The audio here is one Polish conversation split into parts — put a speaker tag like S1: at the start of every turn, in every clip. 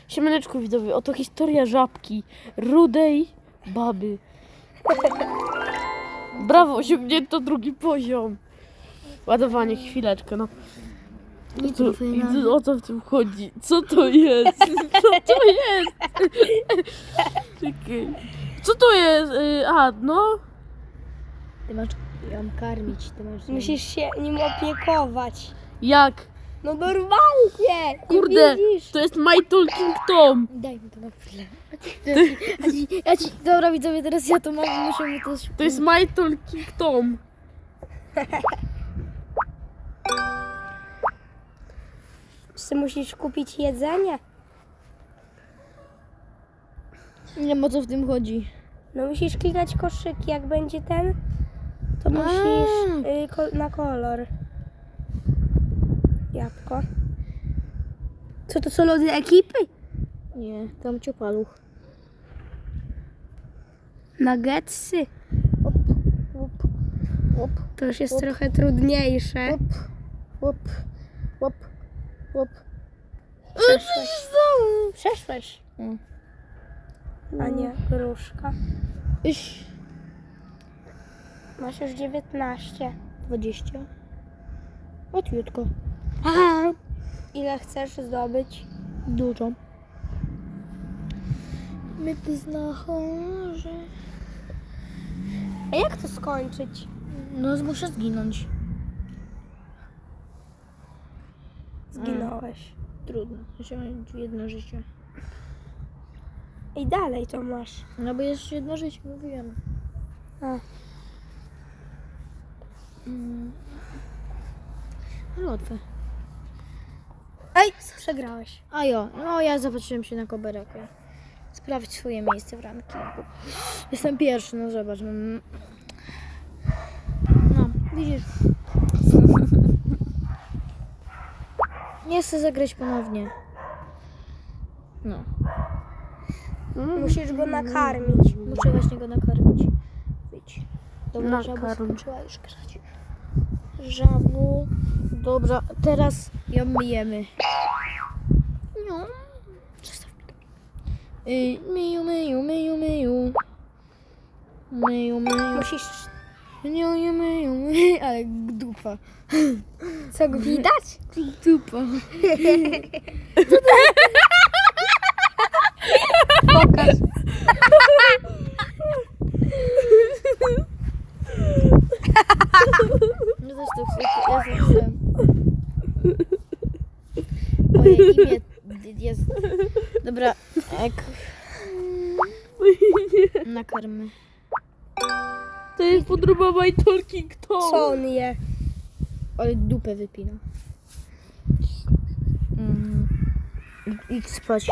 S1: Siemaneczku widzowie, oto historia żabki, rudej baby. Brawo, osiągnięto drugi poziom. Ładowanie, chwileczkę, no. O co w tym chodzi? Co to jest? Co to jest? Czekaj. Co to jest? No.
S2: Ty masz ją karmić, ty masz ją...
S3: Musisz się nim opiekować.
S1: Jak?
S3: No normalnie!
S1: Kurde,
S3: widzisz?
S1: to jest My Talking Tom.
S2: Daj mi to na chwilę. Dobra widzowie, teraz ja to mam, muszę mi to...
S1: To jest My Talking Tom.
S3: Czy musisz kupić jedzenie?
S2: Nie wiem o co w tym chodzi.
S3: No musisz klikać koszyki, jak będzie ten, to musisz na kolor. Jabłko. Co to są lody ekipy?
S2: Nie, tam ciopaluch.
S3: Nuggetsy.
S2: Łop, łop,
S3: To już jest
S2: Op.
S3: trochę trudniejsze.
S2: łop, łop, łop, łop.
S3: Przeszłeś. Przeszłeś.
S2: Mm.
S3: A nie, gruszka.
S2: Iś.
S3: Masz już 19.
S2: 20. Łatwiutko.
S3: Ile chcesz zdobyć?
S2: Dużo. My ty znachorze.
S3: A jak to skończyć?
S2: No muszę zginąć.
S3: Zginąłeś.
S2: Trudno. Jeszcze mam jedno życie.
S3: I dalej to masz.
S2: No bo jeszcze jedno życie, mówiłem.
S3: A.
S2: Ale łatwe.
S3: Ej, przegrałeś.
S2: A jo, no ja zobaczyłem się na koberekę. Sprawdź swoje miejsce w rankingu. Jestem pierwszy, no zobacz. No, widzisz. Nie chcę zagrać ponownie. No,
S3: Musisz go nakarmić.
S2: muszę właśnie go nakarmić. Wyjdź. Dobra, żabu
S1: Nakarm.
S2: skończyła już grać. Żabu. Dobra, teraz ją myjemy. No. Przestaw mi to. Myju, myju, myju, myju. Myju, myju.
S3: Musisz...
S2: Myju, myju, myju. Ale dupa.
S3: Co, go widać?
S2: Dupa.
S3: Pokaż.
S2: No też to chcę. Ja to chcę. Moje imię jest... Dobra, nakarmy.
S1: To jest podróba My Talking Tom.
S3: Co on je?
S2: Ale dupę wypina. Idź spać.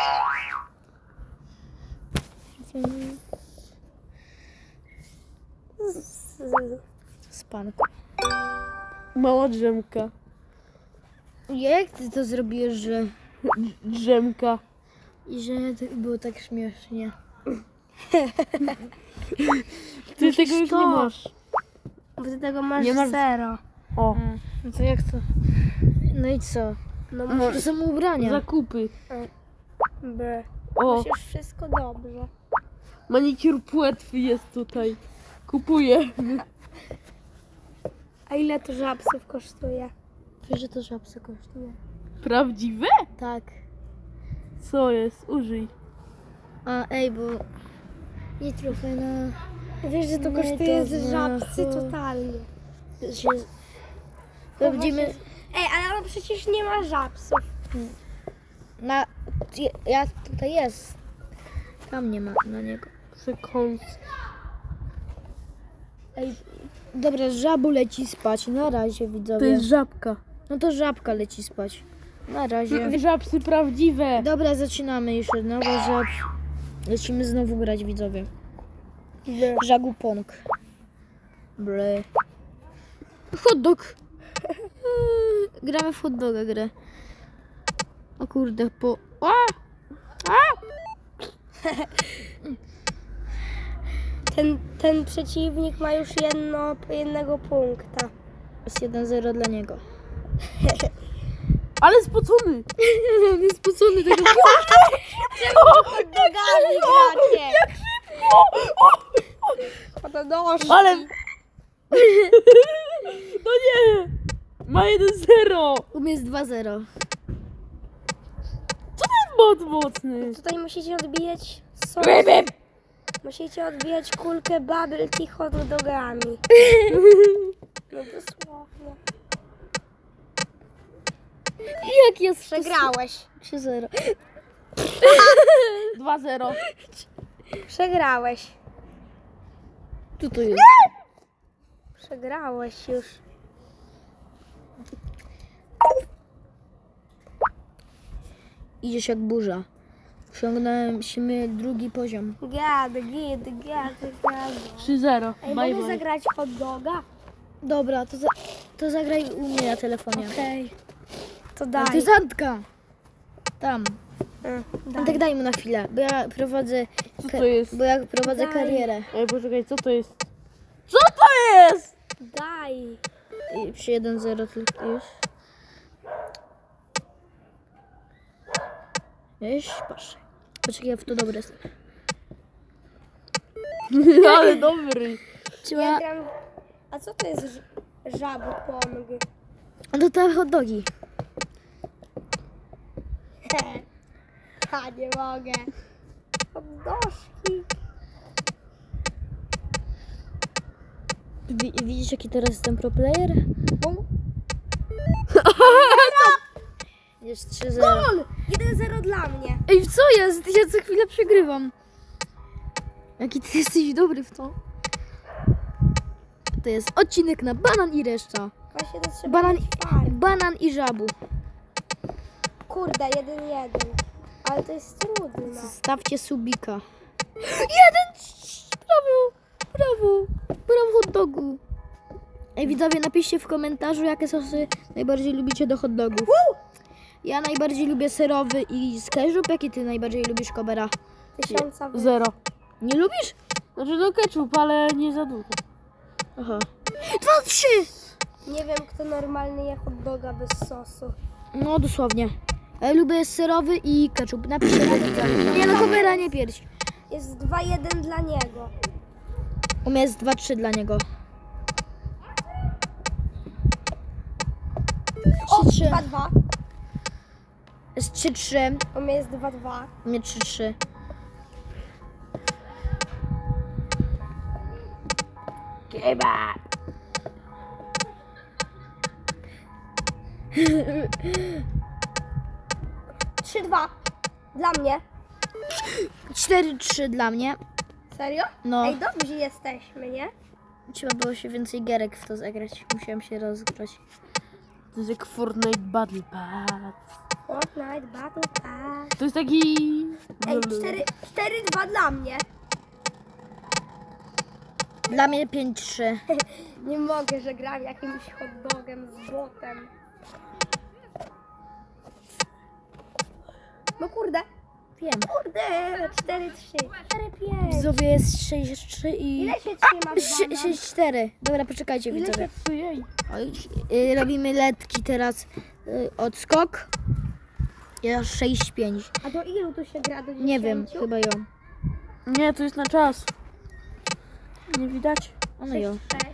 S2: Spanko.
S1: Mała drzemka.
S2: Jak ty to zrobiłeś, że...
S1: Drzemka.
S2: I że to było tak śmiesznie.
S1: Ty tego już
S3: to.
S1: nie masz.
S3: Bo ty tego masz
S1: Nie masz-
S3: 0.
S1: O,
S2: No to jak to? No i co?
S3: No
S2: To są ubrania.
S1: zakupy.
S3: B.
S1: O,
S3: Masz już wszystko dobrze.
S1: manikur płetwy jest tutaj. Kupuję.
S3: A ile to żabsów kosztuje?
S2: Wiesz, że to żabce kosztuje?
S1: Prawdziwe?
S2: Tak.
S1: Co jest? Użyj.
S2: A ej, bo... Nie trochę na...
S3: Wiesz, że to
S2: Nie,
S3: kosztuje
S2: to
S3: z żabsy
S2: znaczy-
S3: totalnie.
S2: Się... To będziemy...
S3: Ej, ale on przecież nie ma żabsów.
S2: Na... Ja tutaj jest. Tam nie ma na niego.
S1: Sekund.
S2: Ej, dobra, żabu leci spać. Na razie, widzowie.
S1: To jest żabka.
S2: No to żabka leci spać. Na razie.
S1: Żabsy prawdziwe.
S2: Dobra, zaczynamy już od nowa żab. Lecimy znowu grać, widzowie. Żagupong. Ble. Hot dog. Gramy w hot doga grę. O kurde, po...
S3: Ten przeciwnik ma już jednego punkta.
S2: Jest 1-0 dla niego.
S1: Ale spocony.
S2: On jest spocony tego.
S1: bot mocny.
S3: Tutaj musicie odbijać sos. Musicie odbijać kulkę bubble tea hot dogami. No dosłownie.
S2: Jak jest?
S3: Przegrałeś.
S2: 3-0.
S1: 2-0.
S3: Przegrałeś.
S2: Co to jest?
S3: Przegrałeś już.
S2: Idziesz jak burza. Osiągnęliśmy drugi poziom.
S3: Gady.
S1: 3-0.
S3: Ej,
S1: Bye,
S3: mogę
S1: bye.
S3: zagrać hot doga?
S2: Dobra, to zagraj u mnie na telefonie.
S3: Okej. To
S2: A
S3: daj.
S2: ty Zantka. Tam.
S3: Daj.
S2: Tak daj mu na chwilę, bo ja prowadzę,
S1: Co to jest?
S2: bo ja prowadzę
S3: Daj.
S2: karierę.
S1: Ej, poczekaj, co to jest? Co to jest?
S3: Daj.
S2: I przy 1-0 tylko już. Wiesz, patrz. Poczekaj, ja w to dobre jestem.
S1: Ale dobry.
S3: Ja
S2: Trzeba...
S3: gram... A co to jest żabopong?
S2: No to hot dogi.
S3: Ha, nie mogę. Hot dożki.
S2: Widzisz jaki teraz jestem pro player? Jest 3-0.
S3: Gol! 1-0 dla mnie.
S2: Ej, co jest? Ja co chwilę przegrywam. Jaki ty jesteś dobry w to. To jest odcinek na banan i reszta.
S3: Właśnie to trzeba
S2: Banan,
S3: mieć fart.
S2: banan i żabu.
S3: Kurde, 1-1. Ale to jest trudne.
S2: Zostawcie subika. 1! Brawo hot dogu. Ej widzowie, napiszcie w komentarzu, jakie sosy najbardziej lubicie do hot dogów. Ja najbardziej lubię serowy i z ketchup. Jaki ty najbardziej lubisz, Kobera?
S3: 1000
S1: 0.
S2: Nie lubisz?
S1: Znaczy do ketchup, ale nie za dużo.
S2: Aha. 2-3!
S3: Nie wiem, kto normalny je hot doga bez sosu.
S2: No dosłownie. Ja lubię serowy i ketchup. Napiszcie na widza. Nie no, Kobera, nie pierś.
S3: Jest 2-1 dla niego.
S2: U mnie jest 2-3 dla niego.
S3: O,
S2: 3-3.
S3: 2-2.
S2: Jest 3-3.
S3: U mnie jest 2-2.
S2: U mnie 3-3.
S1: Kebab.
S3: Trzy, 2 dla mnie.
S2: 4-3 dla mnie.
S3: Serio?
S2: No.
S3: Ej, dobrzy jesteśmy, nie?
S2: Trzeba było się więcej gierek w to zagrać. Musiałem się rozgrać.
S1: To jest jak Fortnite Battle Pass.
S3: Fortnite Battle Pass.
S1: To jest taki...
S3: Ej, 4-2 dla mnie.
S2: Dla mnie 5-3.
S3: Nie mogę, że gram jakimś hot dogiem z botem. No kurde.
S2: Wiem.
S3: Kurde, 4-3. 4-5.
S2: Widzowie jest 6-3 i...
S3: Ile się trzyma banan?
S2: 6-4. Dobra, poczekajcie
S3: Ile
S2: widzowie.
S3: się
S1: Ojej.
S2: Oj, robimy letki teraz. Odskok. Ja 6-5.
S3: A do ilu tu się gra? Do 10?
S2: Nie wiem, chyba ją.
S1: Nie, to jest na czas. Nie widać?
S2: Ono ją.
S3: 6.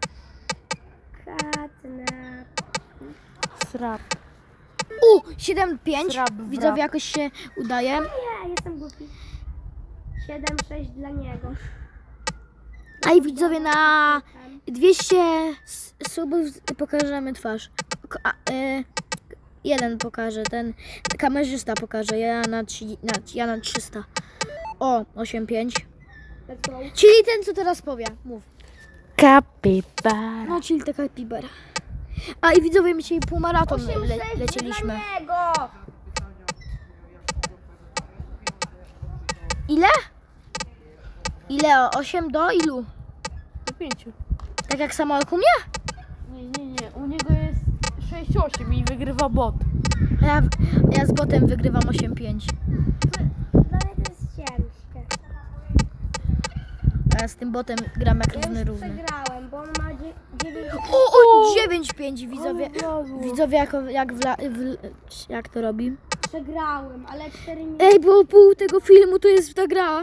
S3: Katna.
S1: Srap.
S2: 7-5.
S1: Srab, wrab.
S2: Widzowie jakoś się udaje.
S3: Nie, jestem głupi. 7-6 dla niego.
S2: A i widzowie na 200 subów pokażemy twarz. Jeden pokaże, ten kamerzysta pokaże, ja na 300. O, 8-5.
S3: Let's go.
S2: Czyli ten, co teraz powie. Mów.
S1: Kapibara.
S2: No, czyli taka pibera. A i widzowie, my dzisiaj półmaraton
S3: 8-6
S2: lecieliśmy.
S3: dla niego.
S2: Ile? Ile? 8 do ilu?
S1: Do 5.
S2: Tak jak samo jak u mnie?
S1: Nie. U niego jest 6-8 i wygrywa bot.
S2: A ja z botem wygrywam 8-5.
S3: Dla mnie to jest ciężkie.
S2: A ja z tym botem gram jak
S3: Ja
S2: równy
S3: już
S2: równy.
S3: przegrałem, bo on ma 9.
S2: O, 9-5 widzowie.
S1: Ale wlazło.
S2: Widzowie jak to robi?
S3: Przegrałem, ale 4 minuty.
S2: Ej, bo pół tego filmu to jest ta gra.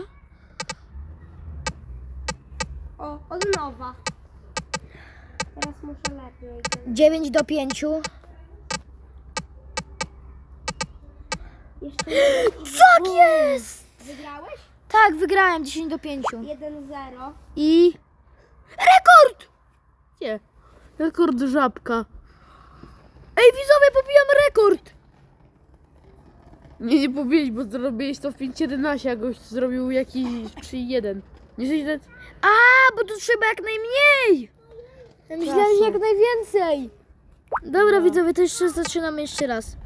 S3: O, od nowa. Teraz muszę lepiej.
S2: 9 do 5.
S3: Jeszcze jeden.
S2: Tak jest!
S3: Wygrałeś?
S2: Tak, wygrałem 10-5.
S3: 1-0.
S2: I... Rekord!
S1: Nie. Rekord żabka.
S2: Ej, widzowie, pobijam rekord!
S1: Nie powiedzieć, bo zrobiłeś to w 5.11, a gość zrobił jakiś 3.1. Nie 600?
S2: A, bo tu trzeba jak najmniej! Ja myślałem, że jak najwięcej. Dobra, widzowie, to jeszcze zaczynamy jeszcze raz.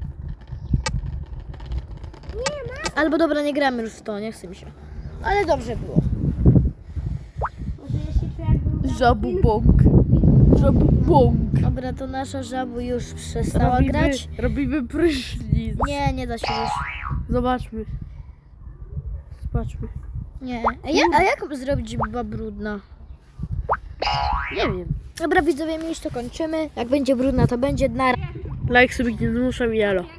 S2: Albo dobra, nie gramy już w to, nie chce mi się. Ale dobrze było.
S3: Może ja się czuję jakbym...
S1: Żabubąk. Żabubąk.
S2: Dobra, to nasza żabu już przestała grać.
S1: Robimy prysznic.
S2: Nie, nie da się już.
S1: Zobaczmy. Zobaczmy.
S2: Nie. A jak zrobić była brudna?
S1: Nie wiem.
S2: Dobra, widzowie, my już to kończymy. Jak będzie brudna, to będzie na...
S1: Like sobie nie zmuszam, jalo.